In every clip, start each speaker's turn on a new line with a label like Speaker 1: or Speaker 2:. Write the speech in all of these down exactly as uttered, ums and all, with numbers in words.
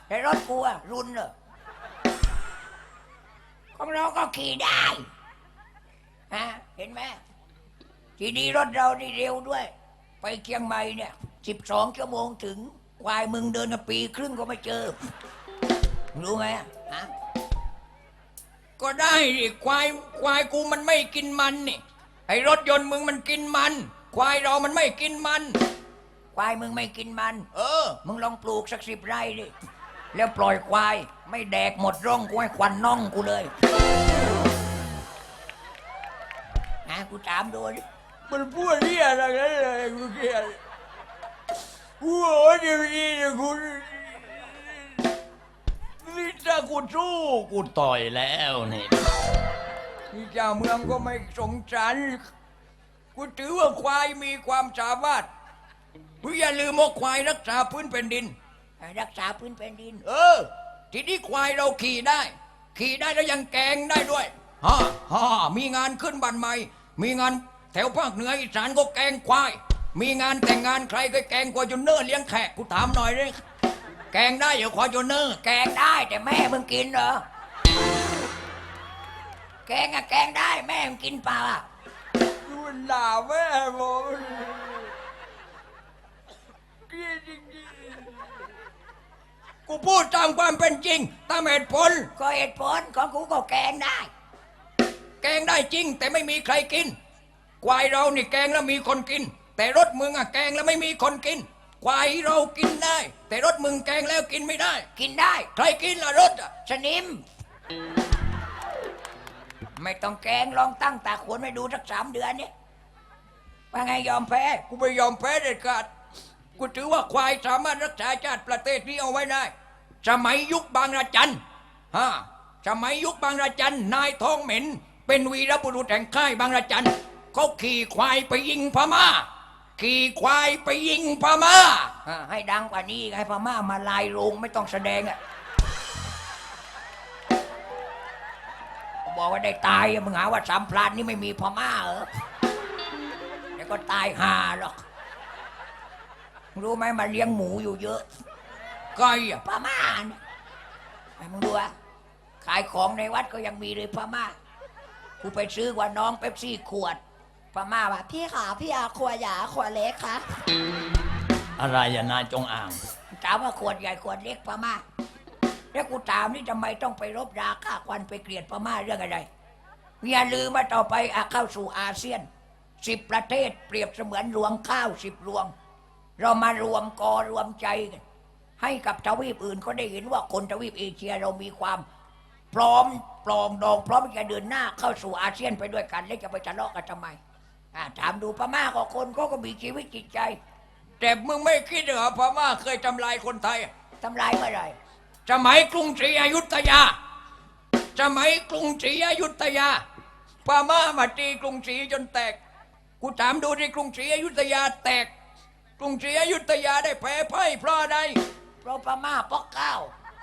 Speaker 1: แต่รถกูอะรุนเหรอของเราก็ขี่ได้ฮะเห็นไหมทีนี้รถเรานี่เร็วด้วยไปเชียงใหม่เนี่ยสิบสองชั่วโมงถึงควายมึงเดินกันปีครึ่งก็ไม่เจอรู้ไหมฮะก็ได้ดิควายควายกูมันไม่กินมันนี่ไอ้รถยนต์มึงมันกินมันควายเรามันไม่กินมันควายมึงไม่กินมันเออมึงลองปลูกสักสิบไร่ดิแล้วปล่อยควายไม่แดกหมดร่องกูให้ควันน่องกูเลยนะกูถามดูดิมันพูดเรี่ยอะไรกันเลยกูเกลียดกูโอ้ยดีดีกูนี่ถ้ากูสู้กูต่อยแล้วนี่นี่เจ้าเมืองก็ไม่สงสารกูถือว่าควายมีความสามารถมึงอย่าลืมว่าควายรักษาพื้นแผ่นดินรักษาพื้นแผ่นดินเออทีนี้ควายเราขี่ได้ขี่ได้แล้วยังแกงได้ด้วยฮ่าฮ่ามีงานขึ้นบ้านใหม่มีงานแถวภาคเหนืออีสานก็แกงควายมีงานแต่งงานใครก็แกงควายจนเนื้อเลี้ยงแขกกูถามหน่อยเลยแกงได้เหรอควายจนเนื้อแกงได้แต่แม่มึงกินเหรอแกงอะแกงได้แม่มึงกินเปล่าอะดูด่าแม่ผมกูพูดตามความเป็นจริงตามเหตุผลก็เหตุผลของกูก็แกงได้แกงได้จริงแต่ไม่มีใครกินควายเรานี่แกงแล้วมีคนกินแต่รถมึงอะแกงแล้วไม่มีคนกินควายเรากินได้แต่รถมึงแกงแล้วกินไม่ได้กินได้ใครกินล่ะรถอะสนิมไม่ต้องแกงลองตั้งตาขวนไปดูสักสามเดือนนี่ว่าไงยอมแพ้กูไม่ยอมแพ้เด็ดขาดกูถือว่าควายสามารถรักษาชาติประเทศนี้เอาไว้ได้สมัยยุคบางระจันฮะสมัยยุคบางระจันนายทองเหม็นเป็นวีรบุรุษแห่งค่ายบางระจันเขาขี่ควายไปยิงพม่าขี่ควายไปยิงพม่าให้ดังกว่านี้ให้พม่ามาลายโรงไม่ต้องแสดงอ่ะบอกว่าได้ตายมึงหาว่าสามพลานนี่ไม่มีพม่าเหรอแล้วก็ตายห่าหรอกรู้ไหมมาเลี้ยงหมูอยู่เยอะไก่อะพม่าเนี่ยไอ้มึงดูอะขายของในวัดก็ยังมีเลยพม่ากูไปซื้อว่าน้องเป๊ปซี่ขวดพม่าว่าพี่ขาพี่อาขวดใหญ่ขวดเล็กคะอะไรอย่านายจงอ่างถามว่าขวดใหญ่ขวดเล็กพม่าแล้วกูถามนี่ทำไมต้องไปรบราฆ่าควันไปเกลียดพม่าเรื่องอะไรอย่าลืมว่าต่อไปเข้าสู่อาเซียนสิบประเทศเปรียบเสมือนรวงข้าวสิบรวงเรามารวมกอรวมใจกันให้กับทวีปอื่นเขาได้เห็นว่าคนทวีปเอเชียเรามีความพร้อมปลองดองพร้อมจะเดินหน้าเข้าสู่อาเซียนไปด้วยกันแล้วจะไปทะเลาะกันทำไมถามดูพม่าก็คนเขาก็มีชีวิตจิตใจแต่มึงไม่คิดเหรอพม่าเคยทำลายคนไทยทำลายเมื่อไรสมัยกรุงศรีอยุธยาสมัยกรุงศรีอยุธยาพม่ามาตีกรุงศรีจนแตกกูถามดูที่กรุงศรีอยุธยาแตกกรุงศรีอยุธยาได้แพ้พ่ายเพราะอะไรเพราะพม่าปอกเก้า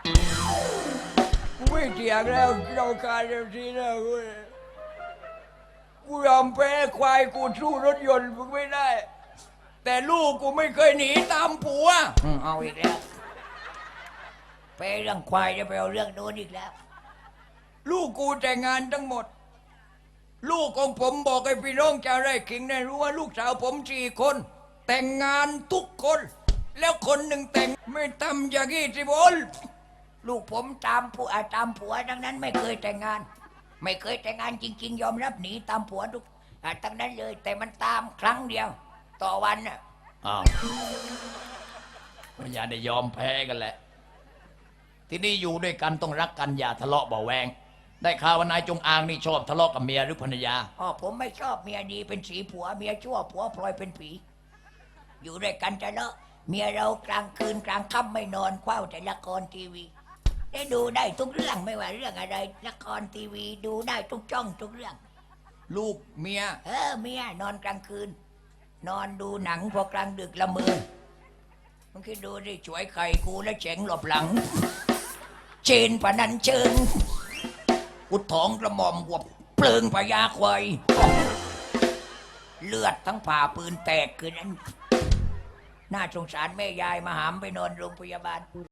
Speaker 1: กูไม่เถียงแล้วเราการเดียวทีนะกูกูยอมแพ้ควายกูสู้รถยนต์มึงไม่ได้แต่ลูกกูไม่เคยหนีตามผัวเอาอีกแล้วไปเรื่องควายจะไปเอาเรื่องโน้นอีกแล้วลูกกูแต่งงานทั้งหมดลูกของผมบอกให้พี่น้องชาวไร่ขิงได้รู้ว่าลูกสาวผมสี่คนแต่งงานทุกคนแล้วคนหนึ่งแต่งไม่ทำอย่างนี้สิบอลลูกผมตามผัวตามผัวดังนั้นไม่เคยแต่งงานไม่เคยแต่งงานจริงๆยอมรับหนีตามผัวทุกทั้งนั้นเลยแต่มันตามครั้งเดียวต่อวันน่ะอ้าวมันอย่าได้ยอมแพ้กันแหละที่นี่อยู่ด้วยกันต้องรักกันอย่าทะเลาะเบาแวงได้ข่าวว่านายจงอางนี่ชอบทะเลาะกับเมียหรือภรรยาอ๋อผมไม่ชอบเมียดีเป็นสีผัวเมียชั่วผัวพลอยเป็นผีอยู่ด้วยกันจะเลาะเมียเรากลางคืนกลางค่ำไม่นอนคว้าแต่ละครทีวีได้ดูได้ทุกเรื่องไม่ว่าเรื่องอะไรละครทีวีดูได้ทุกช่องทุกเรื่องลูกเมียเออเมียนอนกลางคืนนอนดูหนังพอกลางดึกละเมอมึงคิดดูดิช่วยไข่กูแล้วเจ๋งหลบหลังเชนปนันเชิงกุดท้องกระหม่อมหัวเปลืองพญาควายเลือดทั้งผ่าปืนแตกคืนนั้นน่าสงสารแม่ยายมาหามไปนอนโรงพยาบาล